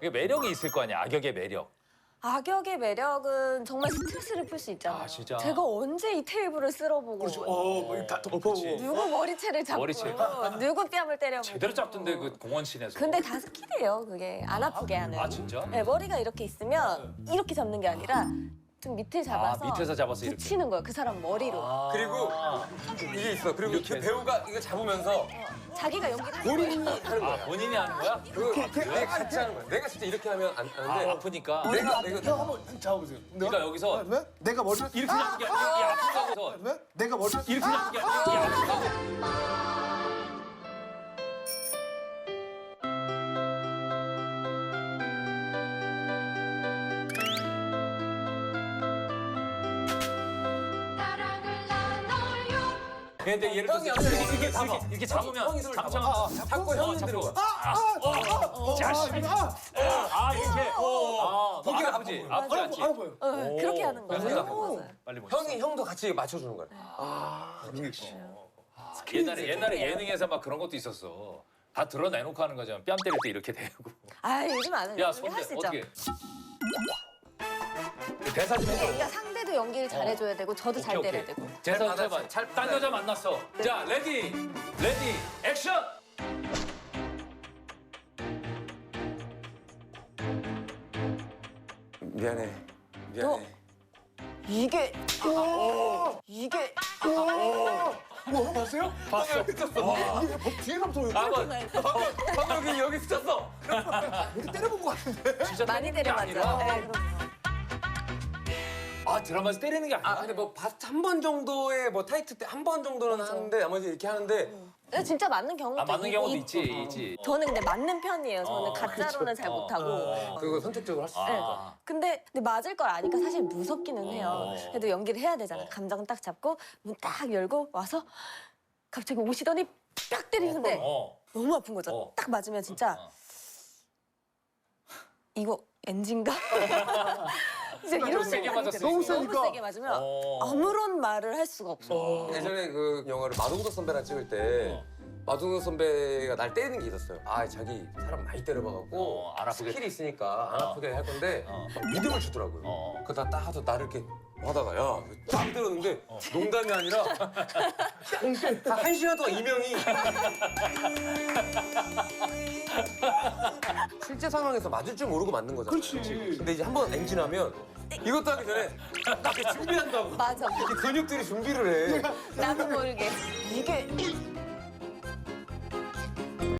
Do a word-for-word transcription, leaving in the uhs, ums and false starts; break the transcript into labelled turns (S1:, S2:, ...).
S1: 이게 매력이 있을 거 아니야, 악역의 매력.
S2: 악역의 매력은 정말 스트레스를 풀 수 있잖아요.
S1: 아, 진짜?
S2: 제가 언제 이 테이블을 쓸어보고
S3: 그렇죠. 어, 뭐 다 덮어보고.
S2: 누구 머리채를 잡고
S1: 머리채.
S2: 누구 뺨을 때려보고
S1: 제대로 잡던데 그 공원씬에서.
S2: 근데 다 스킬이에요, 그게. 안 아프게 하는.
S1: 아, 진짜?
S2: 네, 머리가 이렇게 있으면 이렇게 잡는 게 아니라 좀 밑을 잡아서
S1: 아, 밑에서 잡아서 이렇게.
S2: 붙이는 거예요, 그 사람 머리로.
S1: 아.
S3: 그리고 이게 있어. 그리고 그 배우가 이거 잡으면서
S2: 자기가 연기를 하는
S3: 본인이
S2: 거예요.
S3: 하는
S1: 아,
S3: 거야.
S1: 본인이 하는 거야?
S3: 그 내가 같이 하는 거야. 내가 진짜 이렇게 하면 안
S1: 아,
S3: 하는데
S1: 아프니까.
S3: 내가 내가
S4: 형 한번 잡아보세요.
S1: 그러니까 여기서
S4: 왜? 내가 머리
S1: 이렇게 잡는 게 아니라 이게 아프다고 해서
S4: 왜? 내가 머리
S1: 이렇게 잡는 게 아니라 이게 아프다고.
S5: 사랑을 나눠요.
S1: 근데 예를 들어서
S3: 형이
S1: 이렇게, 이렇게,
S3: 잡아.
S1: 이렇게, 이렇게 잡으면
S3: 형이 손을
S1: 잡-
S3: 잡아.
S1: 잡-
S3: 잡고 형이
S1: 잡고.
S3: 들어가.
S1: 자식. 아, 이렇게. 아,
S3: 보기가
S1: 너 아프지?
S3: 아파
S1: 아프지 않지?
S4: 알아 보여.
S2: 네, 그렇게 하는 거예요.
S1: 그러니까.
S2: 맞아요.
S1: 빨리 멋있어.
S3: 형이 형도 같이 맞춰주는 거야.
S1: 옛날에 옛날에 예능에서 막 그런 것도 있었어. 다 드러내놓고 하는 거잖아. 뺨 때릴 때 이렇게 대고.
S2: 아, 요즘 안 해요.
S1: 야,
S2: 요즘
S1: 손대
S2: 할수 있죠.
S1: 어떻게? 대사 좀 해줘.
S2: 그러니까 상대도 연기를 잘해줘야 되고 저도 잘
S1: 오케이,
S2: 때려야
S1: 오케이.
S2: 되고.
S1: 대사
S3: 받아,
S1: 해봐.
S3: 잘
S1: 딴 여자 만났어. 자, 레디, 레디, 액션.
S3: 미안해. 미안해.
S2: 이게 이게
S4: 뭐 봤어요?
S1: 봤어.
S4: 이게 뭐 뒤에서부터
S1: 아, 뭐,
S3: 방금 여기 여기 스쳤어.
S4: 이렇게 때려본 것 같은데.
S1: 진짜
S2: 많이
S1: 때리는 게
S2: 때려봤죠.
S1: 아니라?
S2: 네, 그럼.
S1: 아, 드라마에서 때리는 게 아니야.
S3: 아 근데 뭐 한 번 정도의 뭐 타이트 때 한 번 정도는 하는데 나머지 이렇게 하는데
S2: 근데 진짜 맞는 경우도
S1: 아, 맞는
S2: 있-
S1: 경우도
S2: 있-
S1: 있지, 있지.
S2: 저는 근데 맞는 편이에요. 저는
S1: 어,
S2: 가짜로는 잘
S1: 어,
S2: 못하고.
S1: 어.
S3: 그거 선택적으로 할 수 있어.
S2: 네.
S1: 아.
S2: 근데, 근데 맞을 걸 아니까 사실 무섭기는 해요.
S1: 어.
S2: 그래도 연기를 해야 되잖아. 감정 딱 잡고 문 딱 열고 와서 갑자기 오시더니 딱 때리는데
S1: 어.
S2: 너무 아픈 거죠.
S1: 어.
S2: 딱 맞으면 진짜
S1: 어.
S2: 이거 엔진가? 진짜 이런
S1: 너무 세게
S2: 생각이
S1: 맞았어.
S2: 들어요.
S4: 너무
S2: 너무
S4: 세니까.
S2: 세게 맞으면
S1: 어.
S2: 아무런 말을 할 수가 없어.
S3: 예전에 그 영화를 마동석 선배랑 찍을 때 마동석 선배가 날 때리는 게 있었어요. 아 자기 사람 많이 때려봐갖고
S1: 어, 안 아프게.
S3: 스킬이 있으니까 안
S1: 어.
S3: 아프게 할 건데
S1: 어.
S3: 믿음을 주더라고요.
S1: 어.
S3: 그러다 딱 하도 나를 이렇게 하다가 야딱 때렸는데 농담이 아니라 한 시간 동안 이명이 실제 상황에서 맞을 줄 모르고 맞는 거잖아.
S4: 그렇지.
S3: 근데 이제 한 번 엔진하면 이것도 하기 전에 딱 이렇게 준비한다고.
S2: 맞아.
S3: 이렇게 근육들이 준비를 해.
S2: 나도 모르게 이게